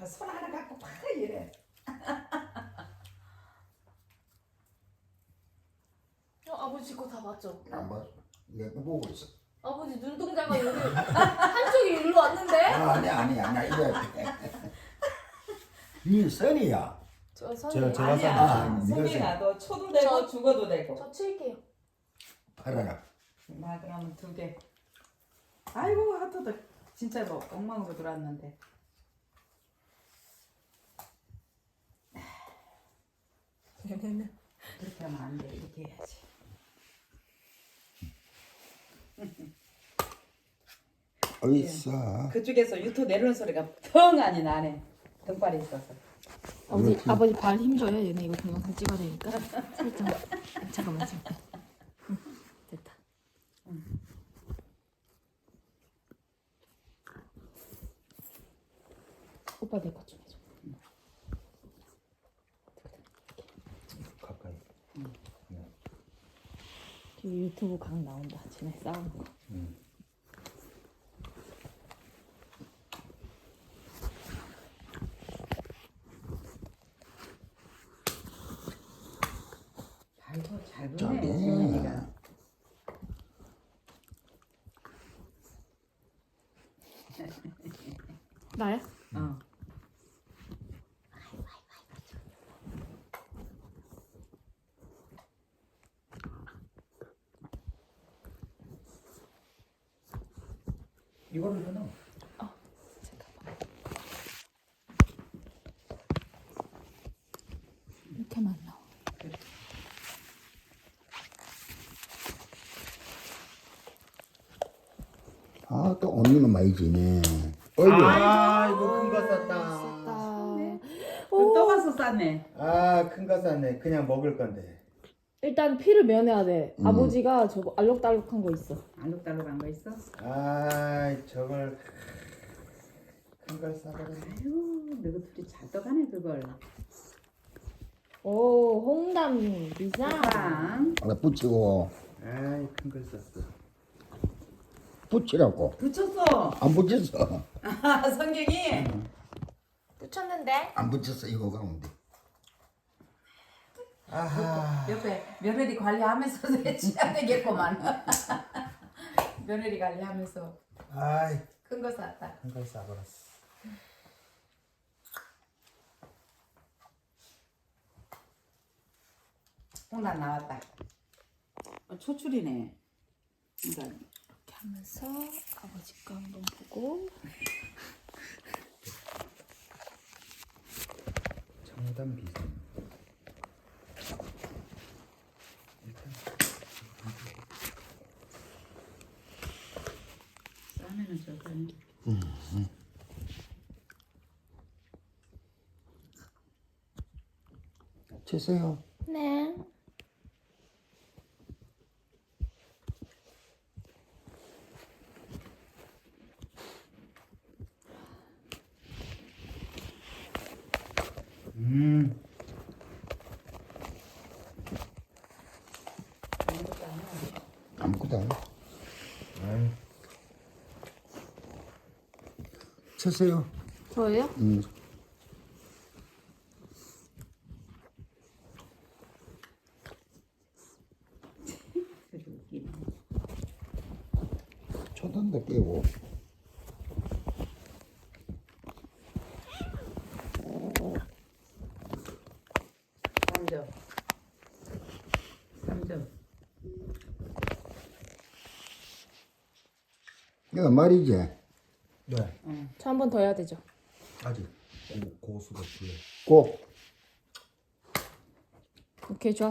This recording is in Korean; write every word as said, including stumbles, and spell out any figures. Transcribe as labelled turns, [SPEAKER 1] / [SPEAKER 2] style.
[SPEAKER 1] 손 하나 갖고 팍 이래.
[SPEAKER 2] 어, 아버지 거 다 봤죠?
[SPEAKER 3] 안 봐. 내가 보고 있어.
[SPEAKER 2] 아버지 눈동자가 여기 한쪽이 일로 왔는데?
[SPEAKER 3] 아, 아니야 아니야 아니야 이래. 이 선이야.
[SPEAKER 2] 저
[SPEAKER 4] 저-
[SPEAKER 2] 선이에요.
[SPEAKER 4] 저-
[SPEAKER 1] 아니야.
[SPEAKER 3] 아,
[SPEAKER 1] 성민아 너 초도 되고
[SPEAKER 2] 저-
[SPEAKER 1] 죽어도 되고.
[SPEAKER 2] 저 칠게요.
[SPEAKER 3] 팔아라.
[SPEAKER 1] 나 그러면 두 개. 아이고 하트도 진짜 뭐 엉망으로 들어왔는데.
[SPEAKER 2] 얘네는
[SPEAKER 1] 그렇게 하면 안 돼. 이렇게 해야지.
[SPEAKER 3] 어이싸.
[SPEAKER 1] 그쪽에서 유토 내려오는 소리가 텅 하니 나네. 등발이 있어서.
[SPEAKER 2] 아버지
[SPEAKER 3] 그렇지.
[SPEAKER 2] 아버지 발 힘줘요. 얘네 이거 동영상 찍어야 되니까 살짝. 잠깐만 잠깐. 응, 됐다. 오빠 내 것 좀 해줘.
[SPEAKER 4] 가까이.
[SPEAKER 2] 뒤에 유튜브 각 나온다. 쟤네 싸우는 거.
[SPEAKER 4] 응.
[SPEAKER 1] 발도 잘
[SPEAKER 3] 저기.
[SPEAKER 1] 보네. 지훈이가.
[SPEAKER 2] 나야?
[SPEAKER 1] 어.
[SPEAKER 4] 이거를 더 넣어.
[SPEAKER 2] 잠깐만. 이렇게만 나와.
[SPEAKER 3] 아, 또 언니는 많이 지네. 어이구.
[SPEAKER 4] 아이고 큰 거 쌌다.
[SPEAKER 2] 쌌다.
[SPEAKER 1] 또 와서 쌌네.
[SPEAKER 4] 아 큰 거 쌌네. 그냥 먹을 건데.
[SPEAKER 2] 일단 피를 면해야 돼.
[SPEAKER 3] 음.
[SPEAKER 2] 아버지가 저거 알록달록한 거 있어.
[SPEAKER 1] 알록달록한 거 있어?
[SPEAKER 4] 아 저걸 큰 걸 싸버렸네.
[SPEAKER 1] 아유, 너희 둘이 잘 떠가네 그걸.
[SPEAKER 2] 오, 홍담 비상.
[SPEAKER 1] 빵.
[SPEAKER 3] 하나 붙이고
[SPEAKER 4] 아이 큰 걸 쌌어.
[SPEAKER 3] 붙이라고.
[SPEAKER 1] 붙였어.
[SPEAKER 3] 안 붙였어.
[SPEAKER 1] 아, 성경이.
[SPEAKER 2] 붙였는데?
[SPEAKER 3] 안 붙였어 이거 가운데.
[SPEAKER 4] 아하.
[SPEAKER 1] 옆에 며느리 관리하면서 해줘야 되겠구만. 며느리 관리하면서
[SPEAKER 4] 아이
[SPEAKER 1] 큰 거 샀다.
[SPEAKER 4] 큰 걸 싸버렸어.
[SPEAKER 1] 홍단 나왔다. 어, 초출이네. 그러니까
[SPEAKER 2] 이렇게 하면서 아버지 거 한번 보고.
[SPEAKER 4] 정답 비상. 일단
[SPEAKER 1] 싸면은 저거.
[SPEAKER 3] 치세요.
[SPEAKER 2] 네.
[SPEAKER 4] 음.
[SPEAKER 3] 아무것도 안 해.
[SPEAKER 4] 아이
[SPEAKER 3] 치세요.
[SPEAKER 2] 저예요?
[SPEAKER 3] 음.
[SPEAKER 1] 그래도 웃기네.
[SPEAKER 3] 초단도 깨고.
[SPEAKER 1] 삼 점. 삼 점.
[SPEAKER 3] 이거 말이지.
[SPEAKER 4] 네.
[SPEAKER 2] 저 한 번 더 해야 되죠.
[SPEAKER 4] 아직 고, 고수가 불러.
[SPEAKER 3] 꼭.
[SPEAKER 2] 오케이, 좋아.